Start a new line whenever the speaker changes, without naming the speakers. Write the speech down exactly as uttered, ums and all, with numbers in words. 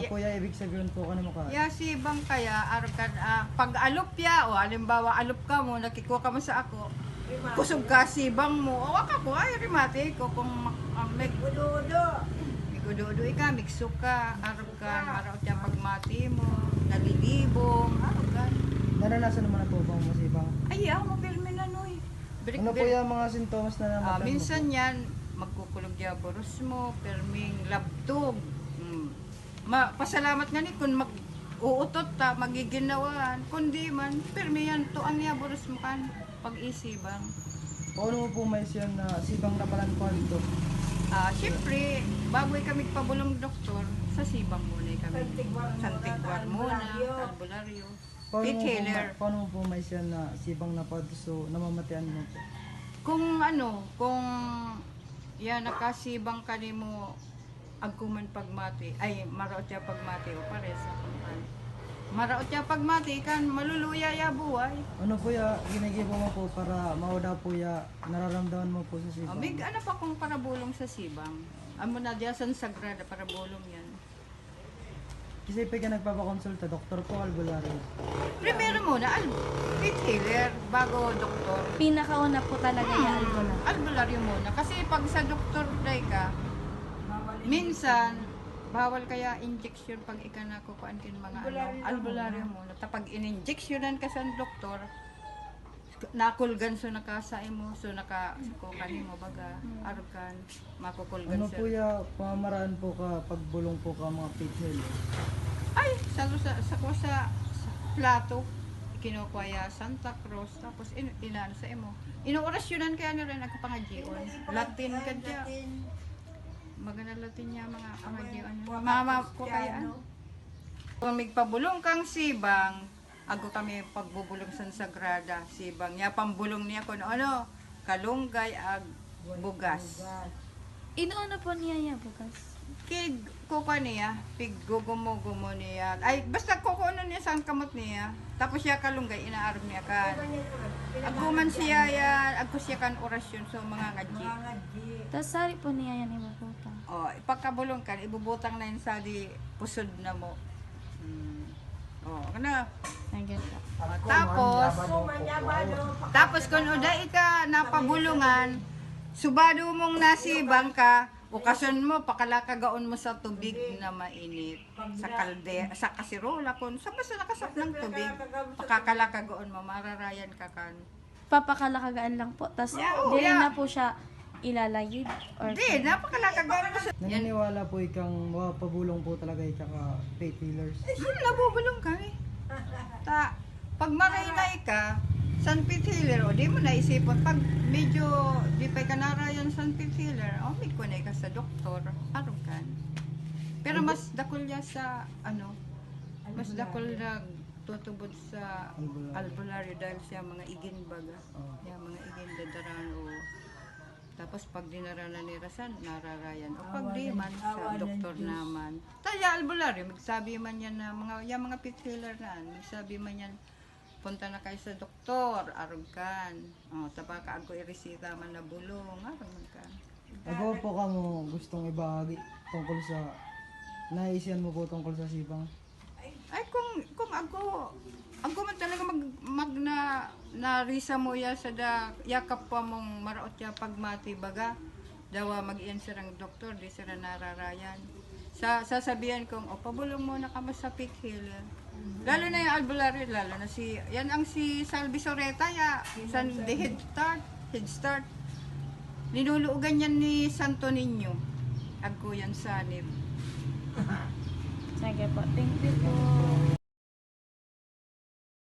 Kuya, ibig sabihin po ka na mukha.
Ya si bang kaya arkan ah, pag alupya o halimbawa alup ka mo nakikuha ka mo sa ako. Kusog ka si bang mo. O ka ko ay rimate ko kung uh, may
Udo-udo.
migududo ka, mikso ka, arap ka, araw siya pagmati mo, nalilibong, arap ka.
Naranasan naman na po bang masibang?
Ay, ako mapilme na no eh. Birik,
Ano po
birik.
yung mga sintomas na
Ah,
namatan mo
minsan
po?
yan, magkukulog ya boros mo, perming labtog. Mm. Ma, pasalamat nga ni kung mag uutot ta, magiginawan. Kundi man, permi yan, to ang ya boros mo kan, pag-isibang.
Paano mo po may siyan na sibang na palan po dito?
Ah, syempre, bago kami pabulong doktor, sa sibang muna kami. Santigwar muna, albularyo.
Paano mo, po,
Painkiller.
ma- paano mo po may siyan na sibang na pa so namamatian mo po?
Kung ano, kung yan nakasibang ka ni mo agkuman pagmati, ay maraot siya pagmati o pares ako kan. Maraot siya pagmati kan maluluya ya buhay.
Ano po ya ginigibo mo po para mauda po ya nararamdaman mo po sa
O,
sibang?
may ano pa kung parabulong sa sibang. Amo na diya san sagrada parabulong yan.
Kasi pa ka nagpapakonsulta, doktor po albularyo.
Primero muna, al pit healer bago doktor.
Pinakauna po talaga yung albularyo.
Albularyo muna. Kasi pag sa doktor day ka, minsan, bawal kaya injection pag ika na kukuan kin mga ano, albularyo muna. Tapag in-injectionan ka sa doktor, nakulgan so nakasay mo, so naka kukan mo baga, arukan, makukulgan
Ano
siya.
po ya pamamaraan po ka pagbulong po ka mga pithel?
Ay, sa sa sa, sa, sa plato, kinukuha ya Santa Cruz, tapos in, inano sa imo. Inuorasyonan kaya na rin nagpangadyon. Latin ka dya. Magana Latin niya mga pangadyon. Mama ko kaya ano. Kung magpabulong kang sibang, ago kami pagbubulong sa Sagrada, sibang. Ya pambulong niya kung ano, kalunggay ag bugas.
Inuuna po niya yan bukas.
Kig kuko niya, pig gugumo-gumo niya. Ay, basta kukuno niya sa kamot niya. Tapos siya kalunggay, inaaram niya kan. Aguman siya yan, agko siya kan orasyon so mga ngadji.
Tapos sari po niya yan ibubuta.
O, ipagkabulong kan, ibubutang na yun sa di pusod na mo. Hmm. O, kana.
Nagyan po.
Tapos, tapos kung uday ka napabulungan, subado mong nasibang ka, ukason mo, pakalakagaon mo sa tubig na mainit. Sa kalde, sa kasirola, kung sa basta nakasap ng tubig, pakakalakagaon mo, mararayan ka kan.
Papakalakagaan lang po. Tapos
Yeah, oh,
di
yeah.
na po siya ilalayid. Or
Hindi, napakalakagaon mo sa... Yan,
Naniniwala po ikang mapabulong po talaga ikaka faith healers.
yun, nabubulong kami. Ta, pag maraynay ka, San Pete Healer, o di mo naisipon, pag medyo di pa ka narayan San Pete Healer, o may kunay ka sa doktor, harong kan. Pero mas dakol niya sa, ano, mas dakol na tutubod sa
Albularyo.
albularyo dahil siya mga igin baga.
Oh.
Yung mga igin dadaran o tapos pag dinaranan ni Rasan, nararayan. O pag di man, sa doktor naman. Taya albularyo, magsabi man yan na mga, yung mga pit healer na, magsabi man yan, punta na kayo sa doktor, arugan. O, tapos ako iresita man na bulong, arugan ka.
Agaw po ka mo gustong ibahagi tungkol sa naisiyan mo po tungkol sa sibang.
Ay, kung, kung ako, ako man talaga mag, mag na, narisa mo ya sa da, yakap pa mong maraot ya pagmati baga, dawa mag-iyan sirang doktor, di sila nararayan. Sa, sasabihan kong, o, pabulong mo na kamo sa pit healer. Lalo na yung albularyo, lalo na si, yan ang si Salvi Soreta, ya, san, the head start, head start. Ninuluugan yan ni Santo Niño. Agko yan sa nib.
sige po. Thank you po.